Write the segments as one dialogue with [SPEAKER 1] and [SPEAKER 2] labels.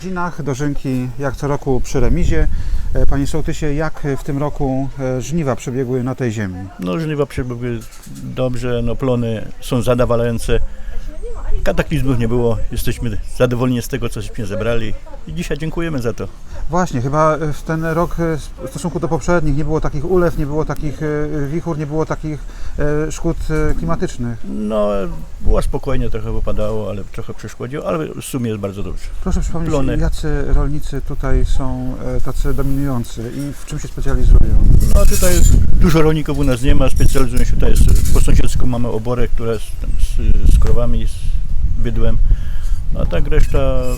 [SPEAKER 1] Dzinach, dożynki jak co roku przy remizie. Panie sołtysie, jak w tym roku żniwa przebiegły na tej ziemi?
[SPEAKER 2] No żniwa przebiegły dobrze, no plony są zadowalające. Kataklizmów nie było, jesteśmy zadowoleni z tego, cośmy zebrali i dzisiaj dziękujemy za to.
[SPEAKER 1] Właśnie, chyba w ten rok w stosunku do poprzednich nie było takich ulew, nie było takich wichur, nie było takich szkód klimatycznych.
[SPEAKER 2] No było spokojnie, trochę wypadało, ale trochę przeszkodziło, ale w sumie jest bardzo dobrze.
[SPEAKER 1] Proszę przypomnieć,
[SPEAKER 2] Plony.
[SPEAKER 1] jacy rolnicy tutaj są tacy dominujący i w czym się specjalizują?
[SPEAKER 2] No tutaj dużo rolników u nas nie ma, specjalizują się tutaj, po sąsiedzku mamy oborę, która jest tam z krowami, z bydłem, a tak reszta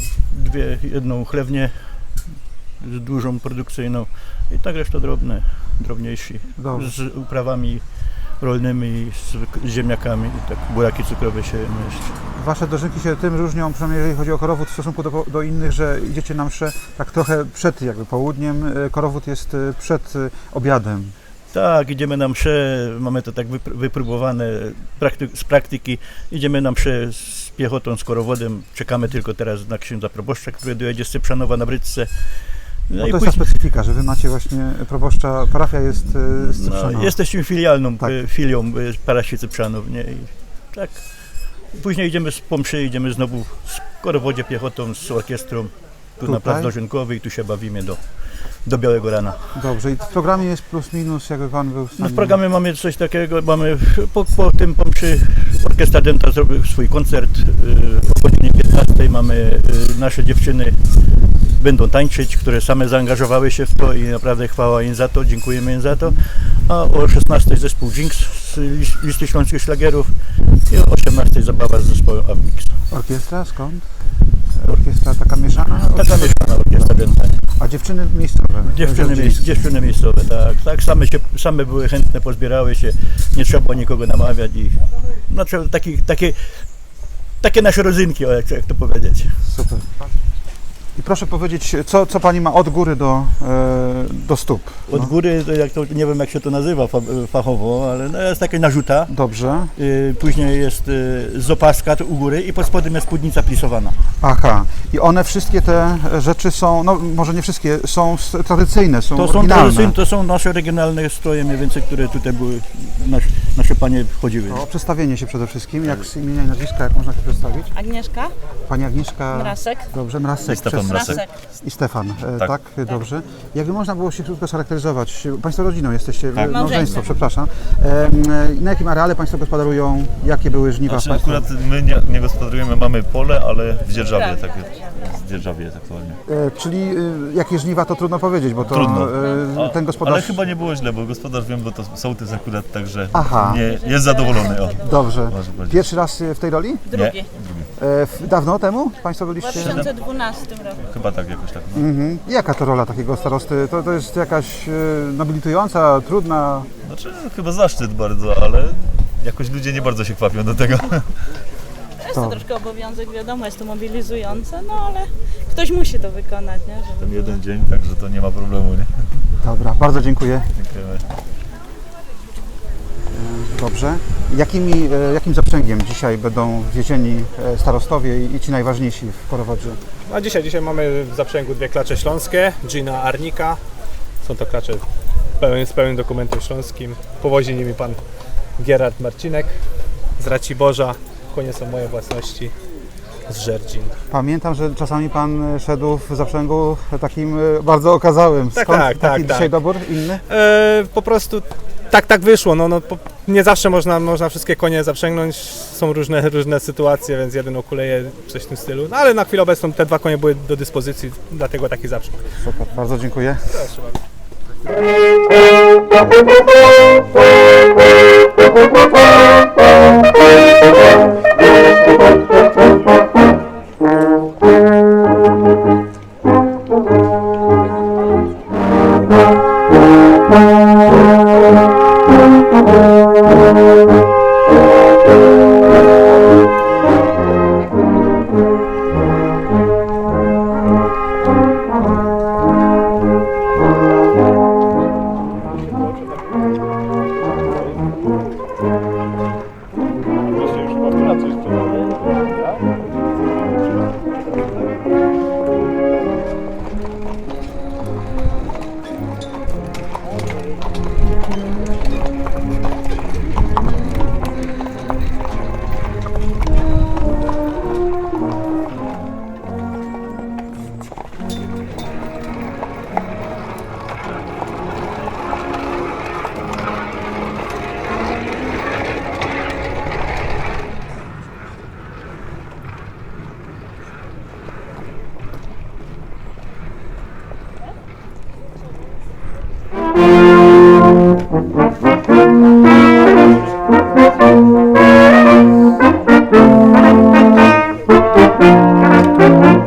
[SPEAKER 2] jedną chlewnię z dużą produkcyjną i tak reszta drobniejsi,
[SPEAKER 1] Dobrze.
[SPEAKER 2] z uprawami rolnymi, z ziemniakami i tak buraki cukrowe się mieści.
[SPEAKER 1] Wasze dożynki się tym różnią, przynajmniej jeżeli chodzi o korowód, w stosunku do innych, że idziecie na mszę tak trochę przed jakby południem, korowód jest przed obiadem.
[SPEAKER 2] Tak, idziemy na mszę, mamy to tak wypróbowane z praktyki, idziemy na mszę z piechotą, z korowodem, czekamy tylko teraz na księdza proboszcza, który dojedzie z Cyprzanowa na Bryczce.
[SPEAKER 1] No to jest ta specyfika, że wy macie właśnie proboszcza, parafia jest z Cyprzanowa.
[SPEAKER 2] No, jesteśmy filialną
[SPEAKER 1] Tak.
[SPEAKER 2] filią parafii Cyprzanów, nie? I tak. Później idziemy po mszy, idziemy znowu z korowodzie piechotą, z orkiestrą, tu na plac dożynkowy i tu się bawimy do białego rana.
[SPEAKER 1] Dobrze, i w programie jest plus minus, jakby pan był w stanie...
[SPEAKER 2] No w programie mamy coś takiego, mamy po mszy Orkiestra Dęta zrobił swój koncert, o godzinie 15 mamy nasze dziewczyny będą tańczyć, które same zaangażowały się w to i naprawdę chwała im za to, dziękujemy im za to. A o 16 zespół Jinx z listy śląskich szlagierów i o 18 zabawa z zespołem Avmix.
[SPEAKER 1] Orkiestra skąd? Orkiestra taka mieszana?
[SPEAKER 2] Taka mieszana orkiestra Dęta.
[SPEAKER 1] A dziewczyny miejscowe?
[SPEAKER 2] Dziewczyny miejscowe, tak, same były chętne, pozbierały się, nie trzeba było nikogo namawiać i znaczy takie nasze rodzynki, jak to powiedzieć.
[SPEAKER 1] Super. I proszę powiedzieć, co pani ma od góry do stóp?
[SPEAKER 2] Od góry, nie wiem jak się to nazywa fachowo, ale no jest taka narzuta.
[SPEAKER 1] Dobrze.
[SPEAKER 2] Później jest z opaska u góry i pod spodem jest spódnica plisowana.
[SPEAKER 1] Aha. I one wszystkie te rzeczy są, no może nie wszystkie, są tradycyjne, są oryginalne.
[SPEAKER 2] To są nasze regionalne stroje mniej więcej, które tutaj były, nasze panie wchodziły.
[SPEAKER 1] O przedstawienie się przede wszystkim, jak z imienia i nazwiska, jak można się przedstawić?
[SPEAKER 3] Agnieszka
[SPEAKER 1] Pani Agnieszka...
[SPEAKER 3] Mrasek.
[SPEAKER 1] Dobrze, Mrasek.
[SPEAKER 3] Mrasek.
[SPEAKER 1] I Stefan, tak? Dobrze. Jakby można było się krótko scharakteryzować? Państwo rodziną jesteście,
[SPEAKER 4] Tak.
[SPEAKER 1] małżeństwo, przepraszam. Na jakim areale Państwo gospodarują? Jakie były żniwa?
[SPEAKER 4] Znaczy, akurat my nie gospodarujemy, mamy pole, ale w dzierżawie, tak jest. W dzierżawie jest aktualnie.
[SPEAKER 1] Czyli jakie żniwa to trudno powiedzieć, bo to
[SPEAKER 4] Trudno.
[SPEAKER 1] ten gospodarz...
[SPEAKER 4] Ale chyba nie było źle, bo gospodarz wiem, bo to sołtys akurat, także
[SPEAKER 1] Aha.
[SPEAKER 4] jest zadowolony. O.
[SPEAKER 1] Dobrze.
[SPEAKER 4] Może powiedzieć.
[SPEAKER 1] Pierwszy raz w tej roli?
[SPEAKER 3] Drugi.
[SPEAKER 1] Dawno temu Państwo
[SPEAKER 3] W
[SPEAKER 1] byliście?
[SPEAKER 3] 2012 roku.
[SPEAKER 4] Chyba tak, jakoś tak. No.
[SPEAKER 1] Jaka to rola takiego starosty? To jest jakaś nobilitująca, trudna?
[SPEAKER 4] Znaczy, chyba zaszczyt bardzo, ale jakoś ludzie nie bardzo się kwapią do tego.
[SPEAKER 3] Jest to troszkę obowiązek, wiadomo, jest to mobilizujące, no ale ktoś musi to wykonać, nie? Żeby
[SPEAKER 4] Ten
[SPEAKER 3] było.
[SPEAKER 4] jeden dzień, także to nie ma problemu, nie?
[SPEAKER 1] Dobra, bardzo dziękuję.
[SPEAKER 4] Dziękujemy.
[SPEAKER 1] Dobrze. Jakim zaprzęgiem dzisiaj będą wiezieni starostowie i ci najważniejsi w Korowodzie?
[SPEAKER 5] A dzisiaj mamy w zaprzęgu dwie klacze śląskie, Gina Arnika. Są to klacze z pełnym dokumentem śląskim. Powozi nimi pan Gerard Marcinek z Raciborza. Konie są moje własności z Żerdzin.
[SPEAKER 1] Pamiętam, że czasami pan szedł w zaprzęgu takim bardzo okazałym. Skąd taki dzisiaj dobór inny?
[SPEAKER 5] Po prostu tak wyszło. Nie zawsze można wszystkie konie zaprzęgnąć. Są różne sytuacje, więc jeden okuleje coś w tym stylu. No, ale na chwilę obecną te dwa konie były do dyspozycji, dlatego taki zaprzęg.
[SPEAKER 1] Super, bardzo dziękuję.
[SPEAKER 5] Proszę bardzo.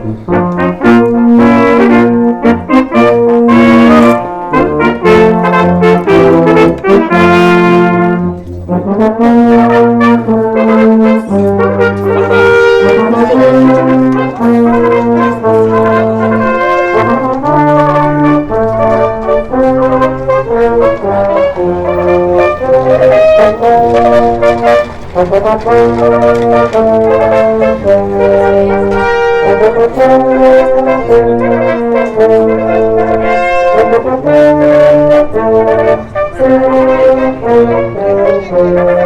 [SPEAKER 6] Thank you.